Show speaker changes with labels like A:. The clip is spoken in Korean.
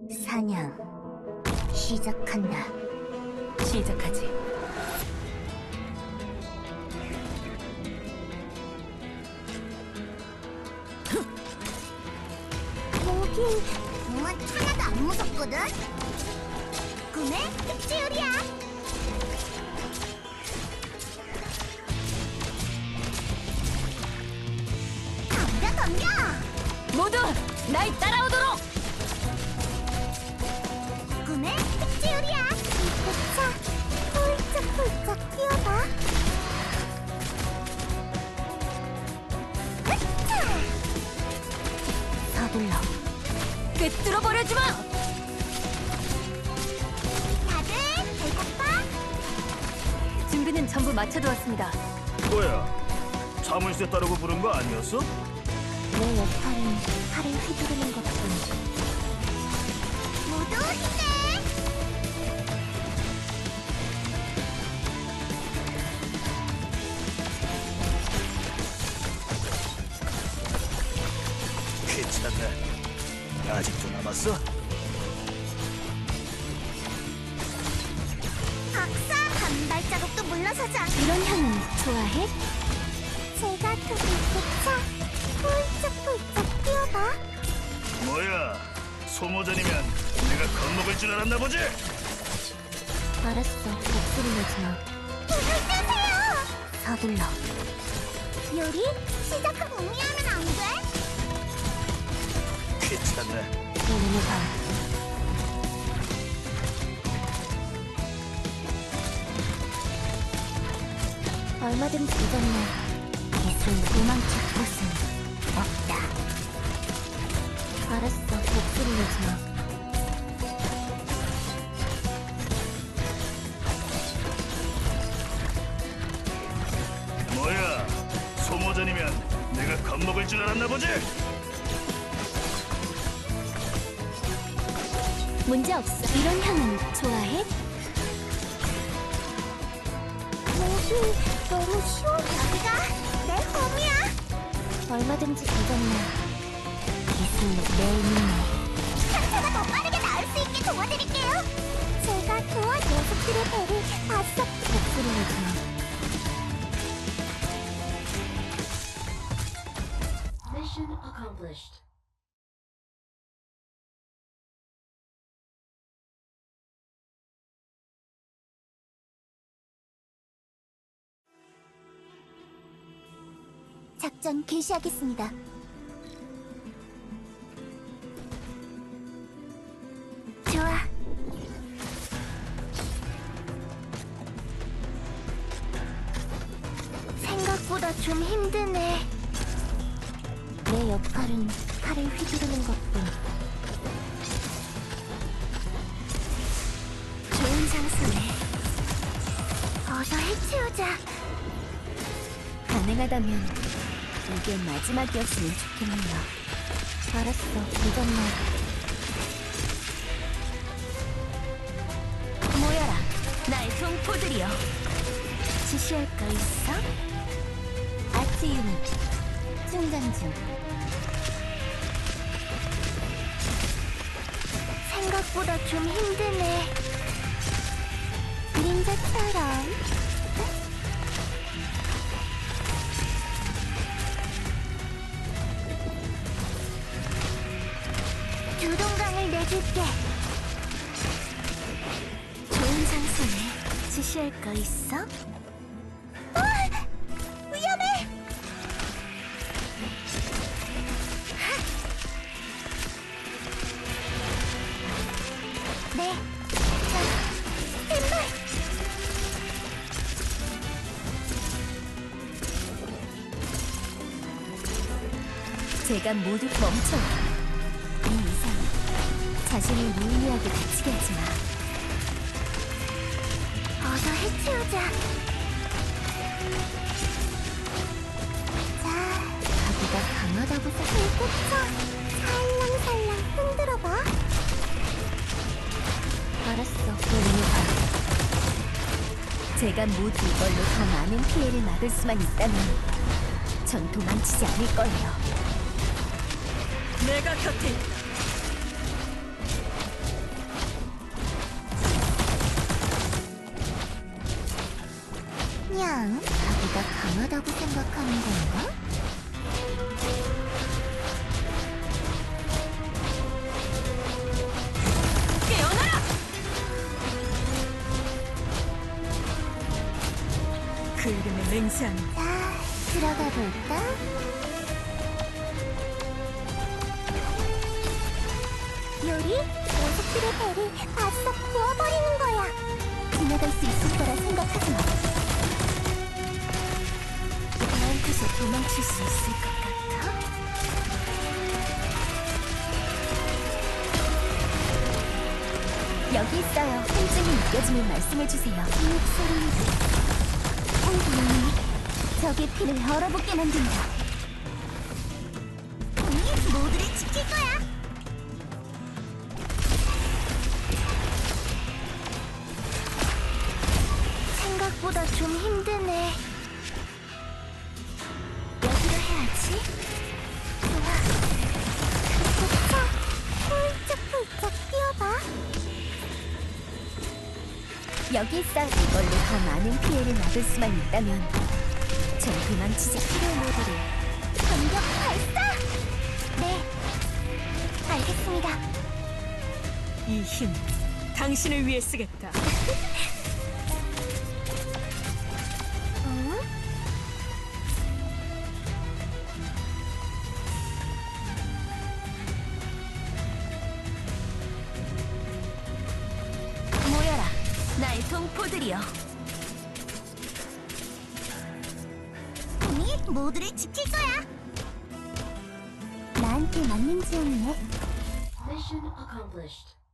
A: 사냥 시작한다.
B: 시작하지.
A: 여긴 정말 하나도 안 무섭거든? 꿈의 흡수율이야. 덤벼!
B: 모두 날 따라오도록!
A: 꿈의 흡수율이야. 이차 훌쩍훌쩍 뛰어봐. 으차! 서둘러
B: 꿰뚫어 버려지 마!
A: 다들 배고파?
B: 준비는 전부 마쳐두었습니다.
C: 뭐야? 자물쇠 따르고 부른 거 아니었어?
A: 내 역할은 팔을 휘두르는 것뿐. 모두 힘내!
C: 괜찮네. 아직도 남았어?
A: 박사! 한 발자국도 물러서지 않고 이런 향은 좋아해? 제가 도둑차 훌쩍훌쩍 뛰어봐.
C: 뭐야? 소모전이면 내가 겁먹을 줄 알았나 보지?
A: 알았어, 목소리 내지 마. 불을 끄세요! 서둘러. 요리 시작하고 의미하면 안 돼?
C: 괜찮네.
A: 내 눈을 봐. 얼마든지 잊었네. 이승 도망칠 곳은 없다. 알았어, 목소리 내지 마.
C: 뭐야? 소모전이면 내가 겁먹을 줄 알았나 보지?
A: 문제 없어. 이런 향은 좋아해? 목이 너무 쉬워. 여기가 내 홈이야. 얼마든지 되겠네. 이승 내 눈에 상처가 더 빠르게 나을 수 있게 도와드릴게요. 제가 녀석들의 배를 봤어. 목소리 내지 마.
D: Mission accomplished.
A: 작전 개시하겠습니다. 좋아. 생각보다 좀 힘드네. 내 역할은 팔을 휘두르는 것뿐. 좋은 장소네. 어서 해치우자.
B: 가능하다면 이게 마지막이었으면 좋겠네요.
A: 알았어, 믿었네.
B: 모여라, 나의 동포들이여.
A: 지시할 거 있어?
B: 아치 유닛 충전 중.
A: 생각보다 좀 힘드네. 그림자처럼. 두동강을 내줄게. 좋은 장소네. 지시할 거 있어? 위험해! 네. 자, 왼발!
B: 제가 모두 멈춰. 이 이상 자신을 무의미하게 다치게 하지 마.
A: 어서 해치우자. 자,
B: 자기가 강하다고
A: 불꽃차 살랑살랑 흔들어봐.
B: 알았어, 눈을 봐. 제가 모두 이걸로 더 많은 피해를 막을 수만 있다면 전 도망치지 않을 거예요. 내가 곁에
A: 냥, 자기가 강하다고 생각하는 건가?
B: 깨어나라! 그 이름의 맹세한
A: 자, 들어가 볼까? 요리? 녀석들의 배를 바싹 부어버리는 거야. 지나갈 수 있을 거라 생각하지 마.
B: 나한테서 도망칠 수 있을 것 같아? 여기 있어요. 통증이 느껴지면 말씀해주세요.
A: 이 목소리는
B: 적의 피를 얼어붙게 만든다.
A: 우리 모두를 지킬 거야. 생각보다 좀 힘드네. 여기로 해야지. 좋아. 자, 훌쩍훌쩍 뛰어봐.
B: 여기 있어. 이걸로 더 많은 피해를 막을 수만 있다면 전 도망치지.
A: 치료 모드를 공격 발사! 네, 알겠습니다.
B: 이 힘, 당신을 위해 쓰겠다.
A: 어?
B: 모여라, 나의 동포들이여.
A: 우리 모두를 지킬 거야. 나한테 맞는 지원이네.
D: Mission accomplished.